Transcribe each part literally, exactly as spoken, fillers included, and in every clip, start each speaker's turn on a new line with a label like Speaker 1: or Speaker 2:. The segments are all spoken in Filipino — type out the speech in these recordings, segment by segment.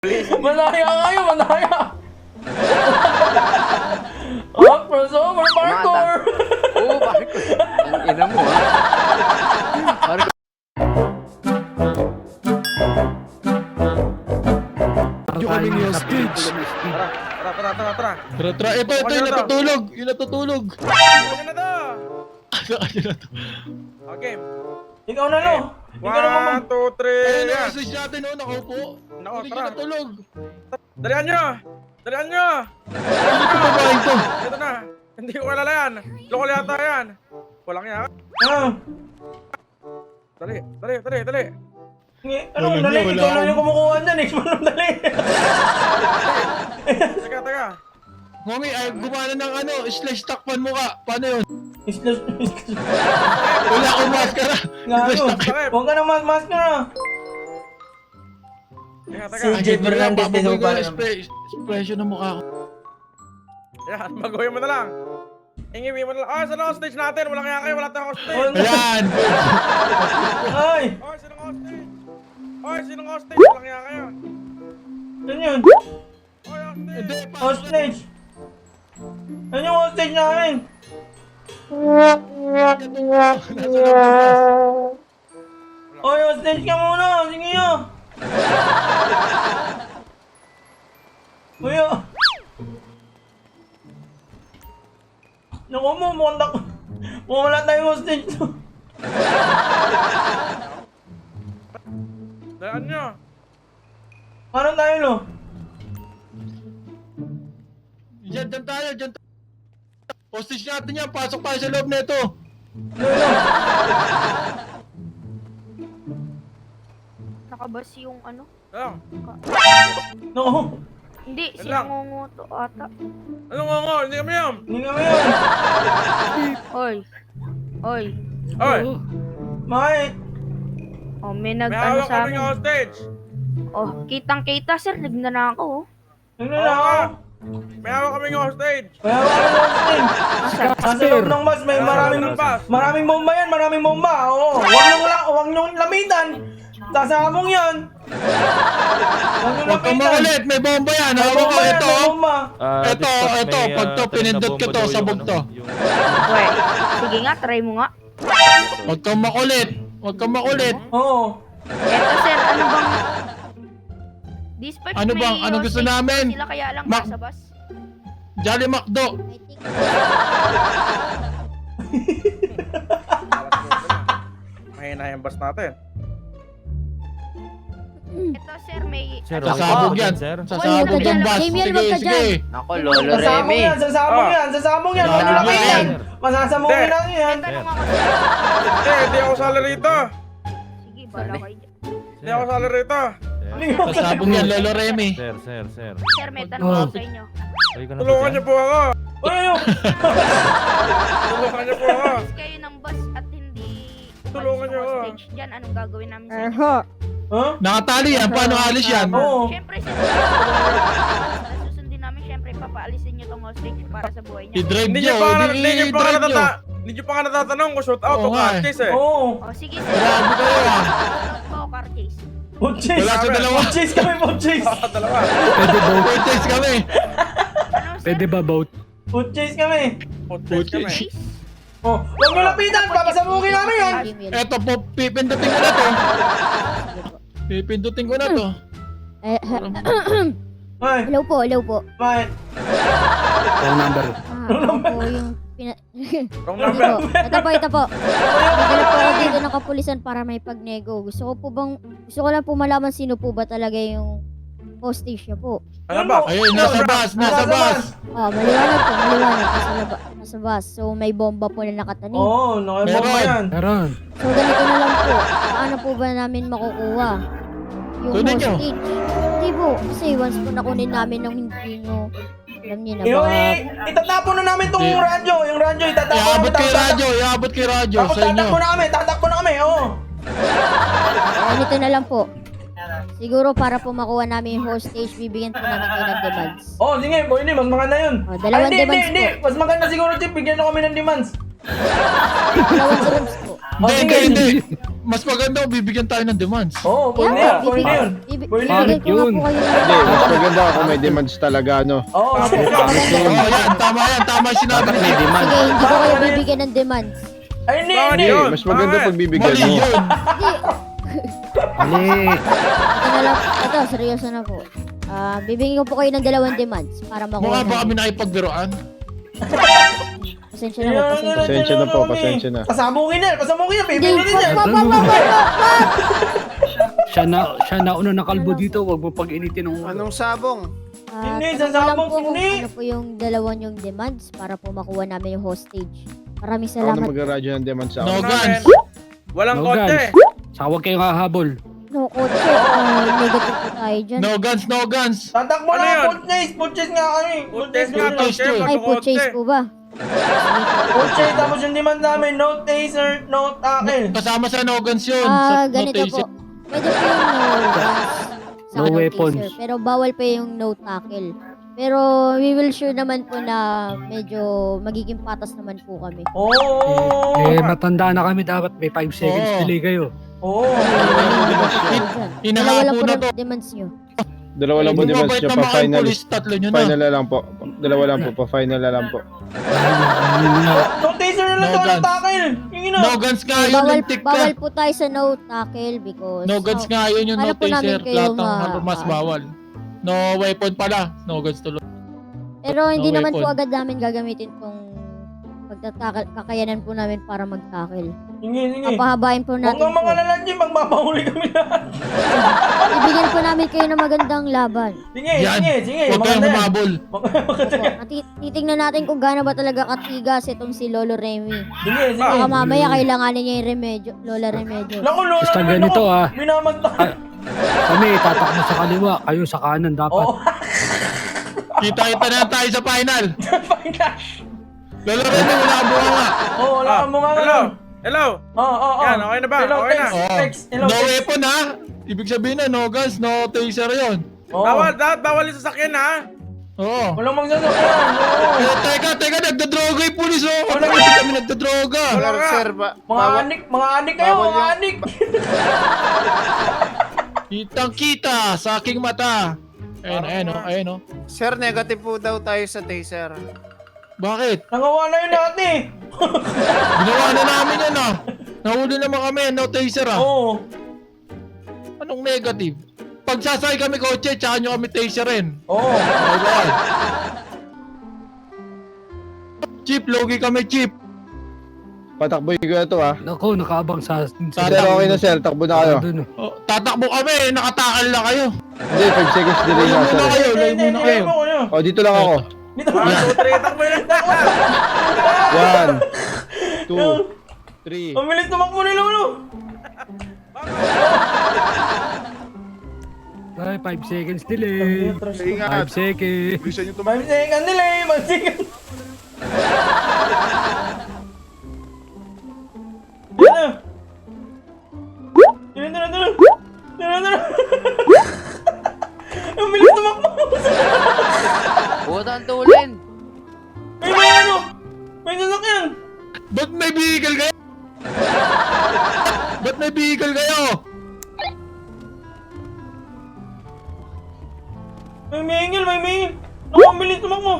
Speaker 1: Manaya kayo, manaya! Oh, crossover, parkour!
Speaker 2: Oo, parkour. Ang ina mo, ha? Parkour.
Speaker 3: Yung kami ni hostage.
Speaker 4: Tara, tara, tara, tara, tara.
Speaker 3: Tara, tara. Ito, ito, yung natutulog. Yung natutulog.
Speaker 4: Ano na to?
Speaker 3: Ayun na to.
Speaker 4: Okay.
Speaker 1: Ikaw na, no? Ikaw na, mama.
Speaker 4: One, two, three.
Speaker 3: Ayun na,
Speaker 4: yan.
Speaker 3: hostage natin, oh. Nakaupo.
Speaker 4: Nako,
Speaker 3: Hindi
Speaker 4: tara.
Speaker 3: ka natulog.
Speaker 4: Dalihan nyo! Dalihan nyo!
Speaker 3: Hindi ko babae ito.
Speaker 4: Ito na. Hindi ko kilala yan. Lokal yata yan. Walang yan.
Speaker 1: Ah,
Speaker 4: Dali, dali, dali, dali.
Speaker 1: ngi- anong
Speaker 3: Wala
Speaker 1: dali?
Speaker 3: na, wala
Speaker 1: Ikaw lang
Speaker 3: akong-
Speaker 1: yung kumukuha dyan, eh. Anong dali?
Speaker 4: Teka, teka.
Speaker 3: Mami, ay gumana ng ano, slash takpan mo ka. Paano yun?
Speaker 1: Islas,
Speaker 3: Wala akong maskara. Slash
Speaker 1: Gago.
Speaker 3: takpan.
Speaker 1: Huwag ka na mas-mas ka na.
Speaker 4: Teka, teka.
Speaker 1: Si J. Fernandez din
Speaker 3: Babagoy
Speaker 1: yung
Speaker 3: ko
Speaker 1: parang.
Speaker 3: yung spray- expression ng mukha ko.
Speaker 4: Yan, baguhin mo na lang. Ingiwi mo na lang. Ah, saan ang hostage natin? Walang kaya kayo. Wala tayong hostage.
Speaker 1: Oh,
Speaker 3: Ayan.
Speaker 1: Ay!
Speaker 4: Oy, sinong hostage? Oy, sinong hostage? Walang kaya kayo.
Speaker 1: Ano yun?
Speaker 4: Oy, hostage.
Speaker 3: Hindi, pa.
Speaker 1: Hostage! Ano yung hostage namin? Oy, hostage ka muna! Sige nyo! Kuya! Naku mo, mukhang dak... Mukhang wala tayong hostage to.
Speaker 4: Dalihan nyo.
Speaker 1: Paano tayo, no?
Speaker 3: Diyan, diyan tayo, diyan tayo. Hostage natin yan. Pasok tayo sa loob nito.
Speaker 1: Lolo!
Speaker 5: Nakabas yung ano?
Speaker 4: Lang.
Speaker 1: Naku!
Speaker 5: Hindi,
Speaker 4: Yan lang.
Speaker 5: sinungunguto ata.
Speaker 4: Anong nga nga? Hindi kami yan.
Speaker 1: Hindi kami yun!
Speaker 5: Oy. Oy.
Speaker 4: Oy,
Speaker 1: Bakit?
Speaker 5: Oh, may
Speaker 4: may
Speaker 5: nag-ano
Speaker 4: hawak
Speaker 5: sa
Speaker 4: kaming
Speaker 5: akin.
Speaker 4: hostage.
Speaker 5: Oh, kitang-kita sir, nagnana ako.
Speaker 1: Ano na ako?
Speaker 4: May hawak kaming hostage.
Speaker 1: Kaya ako ng hostage!
Speaker 5: Asa?
Speaker 1: Nasa loob ng bus, may
Speaker 4: Nasa
Speaker 1: maraming...
Speaker 4: loob ng bus.
Speaker 1: Maraming bomba yan, maraming bomba! Oo! Huwag niyong, la- huwag niyong lamitan! Sasabong yan! Huwag niyong
Speaker 3: Huwag kang
Speaker 1: lamitan!
Speaker 3: makulit. May bomba yan.
Speaker 1: May
Speaker 3: Hawak ko
Speaker 1: bomba yan,
Speaker 3: ito.
Speaker 1: may bomba!
Speaker 6: Ah,
Speaker 3: Ito,
Speaker 6: discuss,
Speaker 3: ito,
Speaker 6: may,
Speaker 3: pag
Speaker 6: ah,
Speaker 3: to,
Speaker 6: talim na
Speaker 3: pinindot ko
Speaker 6: bomba
Speaker 3: to,
Speaker 6: daw
Speaker 3: sabog
Speaker 6: yung
Speaker 3: to.
Speaker 6: ano, yung-
Speaker 5: Oy. Sige nga, try mo nga.
Speaker 3: Huwag kang makulit. Huwag kang makulit.
Speaker 1: Oo!
Speaker 5: Eto sir, ano bang... Dispatch
Speaker 3: Ano
Speaker 5: may
Speaker 3: bang- anong gusto
Speaker 5: hostage
Speaker 3: namin?
Speaker 5: Sila kaya lang
Speaker 3: Mac-
Speaker 5: nasa bus.
Speaker 3: Jolly Macdo.
Speaker 4: Mahina yung bus natin.
Speaker 5: Eto sir, may...
Speaker 6: Sir,
Speaker 5: ano-
Speaker 3: Sasabog yan.
Speaker 6: Sir.
Speaker 3: Sasabog
Speaker 5: Wag ka
Speaker 3: yung
Speaker 5: dyan.
Speaker 3: bus.
Speaker 7: Samuel,
Speaker 3: Sige,
Speaker 7: wag ka
Speaker 3: sige.
Speaker 7: dyan.
Speaker 2: Nako, Lolo
Speaker 1: Sasabong
Speaker 2: Remy.
Speaker 1: yan, sasabong
Speaker 4: Ah.
Speaker 1: yan, sasabong yan! Huwag niyong
Speaker 3: Sasabong
Speaker 1: lamitan!
Speaker 3: yan.
Speaker 1: Masasabungin
Speaker 4: Hindi.
Speaker 1: natin yan!
Speaker 5: Tanong ako sir.
Speaker 4: Hindi, hindi ako sali rito.
Speaker 5: Sige, bala kayo dyan.
Speaker 4: Hindi ako sali rito.
Speaker 3: Sasabog yan, Lolo Remy.
Speaker 6: Sir, sir, sir.
Speaker 5: Sir, may tanong
Speaker 3: Oh.
Speaker 5: ako sa inyo.
Speaker 6: Ay, ka na
Speaker 4: Tulungan niyo po ako.
Speaker 1: Uy, uy!
Speaker 4: Tulungan niyo po ako.
Speaker 5: Alis kayo ng bus at hindi...
Speaker 4: Tulungan
Speaker 5: umalis
Speaker 4: niyo
Speaker 5: ng
Speaker 4: ako.
Speaker 5: hostage dyan, anong gagawin namin sa inyo?
Speaker 1: Ha?
Speaker 3: Nakatali yan. Paano alis yan?
Speaker 1: Oo!
Speaker 5: Siyempre, sir, susundin namin, siyempre, papaalisin nyo tong hostage para sa buhay niya.
Speaker 3: I-drive
Speaker 4: Hindi
Speaker 3: nyo.
Speaker 4: niyo pa nga hindi niyo pa nga
Speaker 3: I-drive nyo.
Speaker 4: natata- hindi niyo pa nga natatanong kung shoot out
Speaker 3: Oo
Speaker 4: o
Speaker 3: nga
Speaker 4: cut
Speaker 3: eh.
Speaker 4: case eh.
Speaker 1: Oo!
Speaker 5: O, sige, sir.
Speaker 3: Grabe kayo ah.
Speaker 5: Shoutout po, car case.
Speaker 1: Food chase!
Speaker 3: Wala sa dalawa.
Speaker 1: Food chase kami, food chase!
Speaker 4: Ah, dalawa.
Speaker 3: Pwede ba? Food chase kami.
Speaker 5: Ano, sir?
Speaker 3: Pwede ba boat?
Speaker 1: Food chase kami!
Speaker 4: Food
Speaker 3: Food
Speaker 4: case kami.
Speaker 3: chase.
Speaker 5: Case?
Speaker 1: Oh, huwag mo lapitan! Papasabugin namin yan!
Speaker 3: Eto po, pipindutin ko na to. Pipindutin ko na to.
Speaker 7: Eh,
Speaker 1: Ay,
Speaker 7: hello po, hello po.
Speaker 1: bakit?
Speaker 7: Ah, ako po yung pina...
Speaker 4: Wrong
Speaker 7: Ito
Speaker 4: number.
Speaker 7: po, ito po, ito po. Nagdala po ako dito ng kapulisan para may pagnego. Gusto ko po bang, gusto ko lang po malaman sino po ba talaga yung hostage niya po.
Speaker 4: Ano ba?
Speaker 3: Ayun, nasa bus, nasa bus.
Speaker 7: Ah, maliwanag po, maliwanag. Nasa, laba, nasa bus. So, may bomba po na nakatanim.
Speaker 1: Oo, oh, nakibomba
Speaker 3: Meron.
Speaker 1: yan!
Speaker 7: So, ganito na lang po. Paano po ba namin makukuha yung
Speaker 3: Kunin nyo.
Speaker 7: hostage? Hindi po. Kasi once po nakunin namin ng hindi nyo, alam niyo na
Speaker 1: Yung,
Speaker 7: ba?
Speaker 1: i- itatapon na namin tong
Speaker 3: Di-
Speaker 1: radyo! Yung radyo, itatapon
Speaker 3: Iabot
Speaker 1: namin!
Speaker 3: kay
Speaker 1: tapos
Speaker 3: radyo, iabot kay radyo
Speaker 1: Tapos
Speaker 3: sa inyo.
Speaker 1: tatakbo na kami! Tatakbo na kami! Oo!
Speaker 7: Ganito na lang po. Siguro para po makuha namin yung hostage, bibigyan po namin kayo ng demands.
Speaker 1: Oh, sige, boy, hindi, mas maganda yun!
Speaker 7: Oh, dalawang
Speaker 1: Ay, hindi,
Speaker 7: demands
Speaker 1: hindi, hindi! Mas maganda siguro, Chip, bigyan na kami ng demands!
Speaker 7: Dalawang demands po.
Speaker 1: Oh,
Speaker 3: Hindi,
Speaker 1: sige.
Speaker 3: hindi, hindi. mas maganda kung bibigyan tayo ng demands.
Speaker 1: Oo, pwede
Speaker 7: Yeah,
Speaker 1: yun, pwede
Speaker 7: bibig-
Speaker 1: yun.
Speaker 7: bibig-
Speaker 1: Pwede
Speaker 7: bibigyan
Speaker 1: yun.
Speaker 7: ko nga
Speaker 2: Yun.
Speaker 7: po kayo ng
Speaker 6: Hindi, mas maganda kung may demands talaga, no?
Speaker 1: Oo,
Speaker 3: Oo, yan, tama yan, tama yung sinabi
Speaker 2: Dapat
Speaker 3: ni
Speaker 2: may
Speaker 3: Chief.
Speaker 2: demand.
Speaker 7: Sige, hindi ko kayo
Speaker 1: Bakit?
Speaker 7: bibigyan ng demands.
Speaker 1: Ay, hindi,
Speaker 4: Bakit
Speaker 1: hindi.
Speaker 6: Hindi,
Speaker 4: yun?
Speaker 6: mas maganda
Speaker 4: Bakit?
Speaker 6: pag bibigyan
Speaker 3: Mali
Speaker 6: mo.
Speaker 3: yun.
Speaker 2: Mali.
Speaker 7: Ito na lang, ito, seryoso na po. Ah, bibigyan ko po kayo ng dalawang demands para makuha
Speaker 3: Mukha ba kami
Speaker 7: namin.
Speaker 3: nakipagbiroan?
Speaker 7: Pasensya na po, pasensya.
Speaker 6: Pasensya na po, pasensya na.
Speaker 1: Pasabugin na, pasabugin na,
Speaker 7: Hindi,
Speaker 1: bibigyan na din yan.
Speaker 7: wag, wag, wag, wag, wag, wag!
Speaker 2: Siya na, siya na una na kalbo dito. Huwag mo pag-initin ng ulo.
Speaker 6: Anong sabong?
Speaker 7: Ah,
Speaker 1: Hindi,
Speaker 7: tanong ko lang
Speaker 1: sasabog,
Speaker 7: po kung
Speaker 1: hindi.
Speaker 7: ano po yung dalawang yung demands para po makuha namin yung hostage. Maraming
Speaker 6: Ako na
Speaker 7: salamat.
Speaker 6: mag-radyo ng demands sa
Speaker 3: No
Speaker 6: akin.
Speaker 3: guns.
Speaker 4: Walang
Speaker 2: No
Speaker 4: kotse.
Speaker 2: guns. Saka huwag kayong hahabol.
Speaker 7: No, kotse. Ah, negative po tayo dyan.
Speaker 3: No guns, no guns.
Speaker 1: Tatakbo
Speaker 4: Ano
Speaker 1: na,
Speaker 4: yun?
Speaker 1: food chase, food chase nga kami. Food
Speaker 4: Kotse
Speaker 1: chase
Speaker 4: nga,
Speaker 1: nga.
Speaker 3: Food chase
Speaker 4: kotse,
Speaker 3: to.
Speaker 7: Ay, po
Speaker 4: magkakotse.
Speaker 7: chase po ba?
Speaker 1: Food chase, tapos yung demand namin, no taser, no tackle.
Speaker 3: Kasama sa no guns yun.
Speaker 7: Ah,
Speaker 3: sa
Speaker 7: ganito
Speaker 3: notation.
Speaker 7: po. Pwede po yung no guns.
Speaker 2: No
Speaker 7: Saka
Speaker 2: weapons.
Speaker 7: taser, pero bawal pa yung no tackle. Pero we will sure naman po na medyo magiging patas naman po kami.
Speaker 1: Oo.
Speaker 2: Eh, matanda na kami. Dapat may five seconds
Speaker 3: Oo.
Speaker 2: delay kayo.
Speaker 1: Oo.
Speaker 7: Dalawa lang po
Speaker 3: Hinahabol na
Speaker 7: ng
Speaker 3: to.
Speaker 7: demands nyo.
Speaker 6: Dalawa lang po
Speaker 3: Kung
Speaker 6: demands
Speaker 3: mabait
Speaker 6: nyo,
Speaker 3: na
Speaker 6: pa
Speaker 3: mga
Speaker 6: final.
Speaker 3: police, tatlo nyo na.
Speaker 6: Final na lang po. Dalawa lang po, pa final na lang po.
Speaker 1: No taser na lang
Speaker 3: No
Speaker 1: to, no
Speaker 3: guns.
Speaker 1: tackle. Yung ina.
Speaker 3: No guns nga yun,
Speaker 7: Bawal,
Speaker 3: lintik
Speaker 7: bawal
Speaker 3: ka.
Speaker 7: po tayo sa no tackle because
Speaker 3: No guns nga yun yung
Speaker 7: Paano
Speaker 3: no
Speaker 7: po namin
Speaker 3: taser.
Speaker 7: kayo
Speaker 3: Lahat ng
Speaker 7: ma-
Speaker 3: armas
Speaker 7: ma-
Speaker 3: bawal. No weapon pala. No guns tuloy.
Speaker 7: Pero hindi
Speaker 3: No
Speaker 7: naman po
Speaker 3: weapon.
Speaker 7: agad namin gagamitin tong pagtatakal, kakayanan po namin para mag-tackle.
Speaker 1: Sige, sige.
Speaker 7: Papahabain po
Speaker 1: Huwag
Speaker 7: natin
Speaker 1: kang
Speaker 7: po.
Speaker 1: mga lalaki, magbabahuli kami lahat.
Speaker 7: Ibigyan po namin kayo ng magandang laban.
Speaker 1: Sige,
Speaker 3: Yan.
Speaker 1: sige, sige.
Speaker 3: Huwag kayong
Speaker 1: maganda yan.
Speaker 3: humabol.
Speaker 7: Opo, at ti- titignan natin kung gaano ba talaga katigas itong si Lolo Remy.
Speaker 1: Sige, sige.
Speaker 7: Baka mamaya kailanganin niya yung remedyo, Lola Remedyo.
Speaker 1: Naku, lola,
Speaker 2: Basta
Speaker 1: naman
Speaker 2: ganito,
Speaker 1: ako.
Speaker 2: ah.
Speaker 1: Binamagtan.
Speaker 2: Kami, tatakbo sa kaliwa. Kayo sa kanan dapat.
Speaker 1: Oo.
Speaker 3: Kita-kita na tayo sa final.
Speaker 1: Final.
Speaker 3: Lolo Remy, wala ka bunga nga.
Speaker 1: Oo, wala
Speaker 4: Ah,
Speaker 1: kang mga
Speaker 4: hello.
Speaker 1: ngayon.
Speaker 4: Hello.
Speaker 1: Oo, oo, oo.
Speaker 4: Yan, okay na ba?
Speaker 1: Hello,
Speaker 4: Okay na.
Speaker 1: text,
Speaker 3: Oo.
Speaker 1: text. Hello,
Speaker 3: No
Speaker 1: text.
Speaker 3: weapon ha. Ibig sabihin na no guns, no taser yun.
Speaker 1: Oo.
Speaker 4: Bawal, dapat bawal yung sasakyan ha.
Speaker 3: Oo.
Speaker 1: Walang magsasakyan. Oo.
Speaker 3: Eh, teka, teka, nagdadroga yung pulis oh. Wala
Speaker 1: Wala.
Speaker 3: hindi kami nagdadroga.
Speaker 4: Wala ka.
Speaker 6: Sir, ba?
Speaker 1: Mga anik, mga anik kayo,
Speaker 6: bawal
Speaker 1: mga
Speaker 6: yan.
Speaker 1: anik.
Speaker 3: Kitang kita sa aking mata. Ayun, ayun oh, ayun oh.
Speaker 6: Sir, negative po daw tayo sa taser.
Speaker 3: Bakit?
Speaker 1: Nangawa na yun dati.
Speaker 3: Ginawa na namin yan ah. Nahuli naman kami, no taser ah.
Speaker 1: Oo.
Speaker 3: Anong negative? Pag sasakay kami kotse, tsaka nyo kami taserin.
Speaker 1: Oo.
Speaker 3: Okay ba? Chip, logi kami, Chip.
Speaker 6: Patakboy ko na to, ha?
Speaker 2: Naku, nakaabang sa... sa
Speaker 6: Sir, okay na, sir. Takbo na kayo.
Speaker 2: Dun, oh.
Speaker 3: Oh, tatakbo kami, nakatakal na kayo.
Speaker 6: Hindi, five seconds delay
Speaker 3: Layo
Speaker 6: nga,
Speaker 3: muna
Speaker 6: sir.
Speaker 3: kayo, layo muna kayo.
Speaker 1: mo kayo.
Speaker 6: O, dito lang ako.
Speaker 1: Dito.
Speaker 4: One, two, three, takbo lang.
Speaker 6: One, two, three.
Speaker 1: Ang bilis tumakbo ni Lolo.
Speaker 2: Ay, five seconds delay.
Speaker 6: Ingat.
Speaker 2: five seconds.
Speaker 6: Bisa nyo
Speaker 1: five second delay, five second. Tira na. Tira, tira, tira. Tira, tira. Ang bilis tumakbo.
Speaker 8: Puta ang tulin!
Speaker 1: May may ano. May sasakyan.
Speaker 3: Ba't may vehicle kayo? Ba't may vehicle kayo?
Speaker 1: May mingil, may mingil. Naku, ang bilis tumakbo.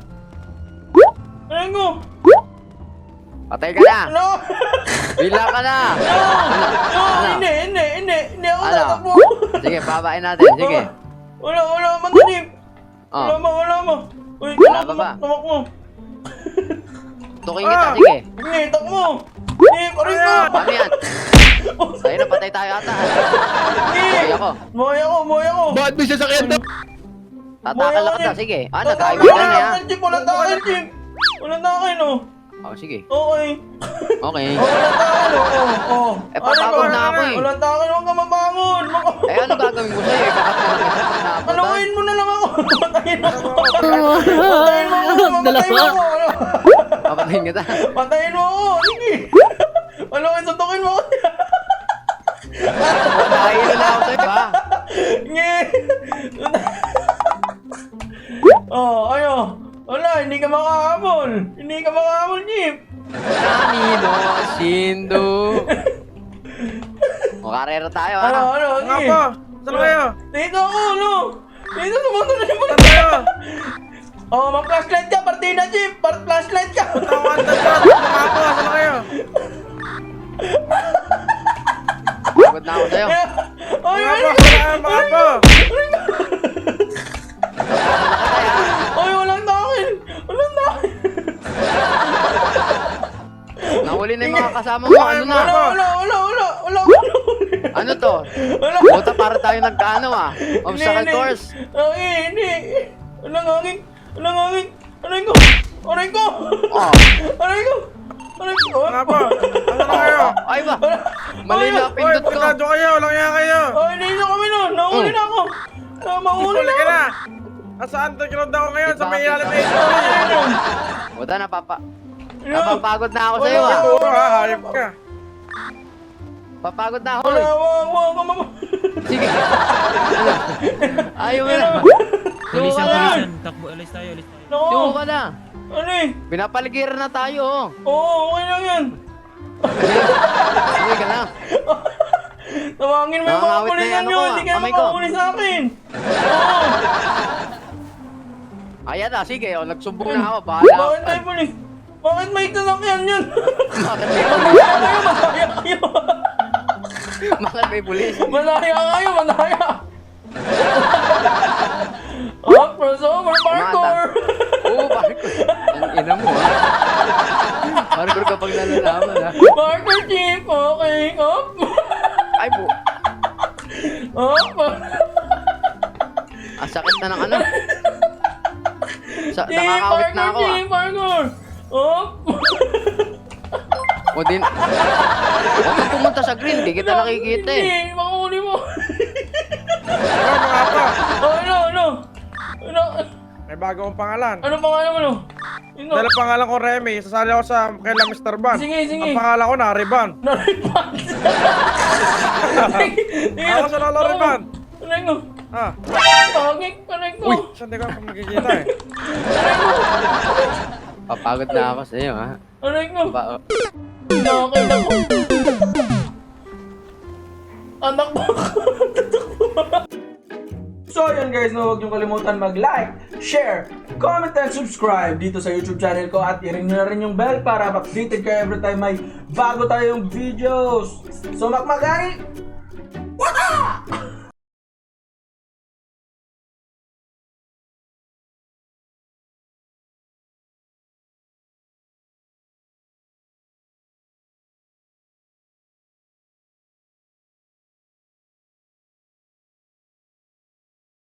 Speaker 1: Aray ko.
Speaker 8: Patay ka na!
Speaker 1: Ano?
Speaker 8: Bila ka na!
Speaker 1: No! No! Hindi, hindi, hindi. Hindi ako
Speaker 8: Ano?
Speaker 1: tatakbo.
Speaker 8: Sige, babain natin. Sige.
Speaker 1: Wala, wala, matadip. Wala
Speaker 8: Oh,
Speaker 1: ba, wala ba. Uy,
Speaker 8: Wala
Speaker 1: tumak,
Speaker 8: ba ba?
Speaker 1: tumak, tumakbo.
Speaker 8: tuking kita.
Speaker 4: Ah!
Speaker 8: Sige.
Speaker 1: Sige, takbo. Sige, parin ko.
Speaker 8: Paano yan? Sa'yo na, patay tayo ata.
Speaker 1: Sige.
Speaker 8: Buhay ako.
Speaker 1: Buhay ako, buhay ako.
Speaker 3: Bakit may sasakyan daw?
Speaker 8: Tatakal
Speaker 1: Buhay
Speaker 8: ako
Speaker 1: ako,
Speaker 8: na.
Speaker 1: Chip.
Speaker 8: Sige. Ah,
Speaker 1: Tatakbo
Speaker 8: nagkaibigan
Speaker 1: na,
Speaker 8: na yan.
Speaker 1: Chip. Wala takin, Chip. Wala takin, oh.
Speaker 8: Oh, sige.
Speaker 1: Okay.
Speaker 8: Okay.
Speaker 1: Oh, wala takin, oh. Oh, oh.
Speaker 8: Eh, papagod na ako eh.
Speaker 1: Wala takin, huwag ka mabangon. Huwag ka-
Speaker 8: Eh, ano gagawin ko sa'yo? Ikakat na lang kita pag naabutan.
Speaker 1: Anuhin mo na lang ako. Patayin mo ako. Patayin mo ako. Patayin mo ako.
Speaker 8: Papatayin kita.
Speaker 1: Patayin mo ako. Sige. Ano, suntukin mo ako.
Speaker 8: Patayin na ako sa'yo, ha?
Speaker 1: Nge. Oh, ayo. Wala, hindi ka makahabol. Hindi ka makahabol, Jeep.
Speaker 8: Nani no Shindo. na tayo,
Speaker 1: Ano,
Speaker 8: ha?
Speaker 1: ano,
Speaker 4: Nga
Speaker 1: sige.
Speaker 4: po. Saan kayo?
Speaker 1: Dito ako, ano? Dito, sumunod na
Speaker 4: Saan kayo?
Speaker 1: Oh, mag-flashlight ka, partida, Chief! Par-flashlight ka!
Speaker 4: Tawan na dyan. Nga po. Saan kayo?
Speaker 8: Pagod na ako sa'yo.
Speaker 1: Ay,
Speaker 4: Mga
Speaker 1: ay,
Speaker 4: po. Saan mga po?
Speaker 1: ay, walang takil! Walang takil!
Speaker 8: Nahuli na yung mga kasama mo. Ano na?
Speaker 1: Wala, wala, wala, wala, wala, wala.
Speaker 8: Ano to?
Speaker 1: Wala.
Speaker 8: Buta para tayo nagkaano, ah. Obstacle
Speaker 1: Hindi,
Speaker 8: course.
Speaker 1: Hindi, hindi. Walang hangin. Walang hangin. Aray ko. Aray ko.
Speaker 8: Oh.
Speaker 1: Aray ko. Aray ko.
Speaker 4: Nga po. Saan kayo?
Speaker 8: Ay ba? Mali na
Speaker 4: Uy,
Speaker 8: pindot ko.
Speaker 4: pagkadyo kayo. Walang kaya kayo.
Speaker 1: Ay, hindi na kami nun. Nahuli na ako. Ah, Mahuli
Speaker 4: Huli
Speaker 1: na
Speaker 4: ka
Speaker 1: ako.
Speaker 4: na. Nasa underground ako ngayon sa may ilalim na ito.
Speaker 1: Ano?
Speaker 8: Buta na, papa.
Speaker 1: Ano?
Speaker 8: Napapagod na ako sa'yo, ah.
Speaker 4: Ito ha, hayop ka.
Speaker 8: Papagod na ako,
Speaker 1: Wala,
Speaker 8: eh.
Speaker 1: wag, wag, wag, wag.
Speaker 8: Sige. Ano? Ayaw mo na.
Speaker 9: Pulisan,
Speaker 1: Ano?
Speaker 9: pulisan. Takbo, alis tayo, alis tayo.
Speaker 1: Nako.
Speaker 8: Sumo ka na.
Speaker 1: Ano eh?
Speaker 8: Pinapaligiran na tayo, oh.
Speaker 1: Oo, okay lang yan.
Speaker 8: Uwi ka na.
Speaker 1: Tawagin mo yung mga
Speaker 8: Nakangawit na
Speaker 1: pulisan
Speaker 8: yung ano
Speaker 1: nyo.
Speaker 8: ko,
Speaker 1: Hindi
Speaker 8: ah,
Speaker 1: kayo
Speaker 8: kamay ko.
Speaker 1: makahuli sa akin. Oo.
Speaker 8: Ayan na, sige, oh. Nagsumbong na ako. Bahala.
Speaker 1: Bakit tayo pulis? Bakit may sasakyan yan?
Speaker 8: Bakit may
Speaker 1: Malaya
Speaker 8: pulis?
Speaker 1: kayo, malaya kayo.
Speaker 8: Bakit may pulis?
Speaker 1: Malaya kayo, malaya. Up, crossover, parkour.
Speaker 8: Oo, parkour.
Speaker 2: Ang ina mo, ha? Parkour kapag nalalaman, ha?
Speaker 1: Parkour, Chief. Okay, up.
Speaker 8: Ay, bu.
Speaker 1: Up.
Speaker 8: Ang sakit na ng ano. Sa,
Speaker 1: Chief,
Speaker 8: nakakawit na ako,
Speaker 1: parkour,
Speaker 8: ah.
Speaker 1: Chief, parkour. Up.
Speaker 8: O din. Huwag kang pumunta sa green, di kita nakikita eh.
Speaker 1: Hindi, makahuli mo.
Speaker 4: Ano mga po?
Speaker 1: Oh, ano, ano? Ano?
Speaker 4: May bago akong pangalan.
Speaker 1: Ano pangalan mo, no? Ino.
Speaker 4: Dahil ang pangalan ko Remy, sasali ako sa kaila mister Ban.
Speaker 1: Sige, sige.
Speaker 4: Ang pangalan ko Nariban.
Speaker 1: Naripan.
Speaker 4: Ako sa Lolo Riban.
Speaker 1: Aray ko.
Speaker 4: Ah.
Speaker 1: Pagig, aray ko.
Speaker 4: Uy, saan di ko ako nakikita eh.
Speaker 1: Aray ko.
Speaker 2: Papagod na ako sa'yo, ha?
Speaker 1: Aray ko.
Speaker 2: Ba, oh.
Speaker 1: Nakakailan ko. Anak mo. So yun guys, no, huwag niyong kalimutan mag-like, share, comment, and subscribe dito sa YouTube channel ko at i-ring nyo na rin yung bell para updated kayo every time may bago tayong videos. So makmagani!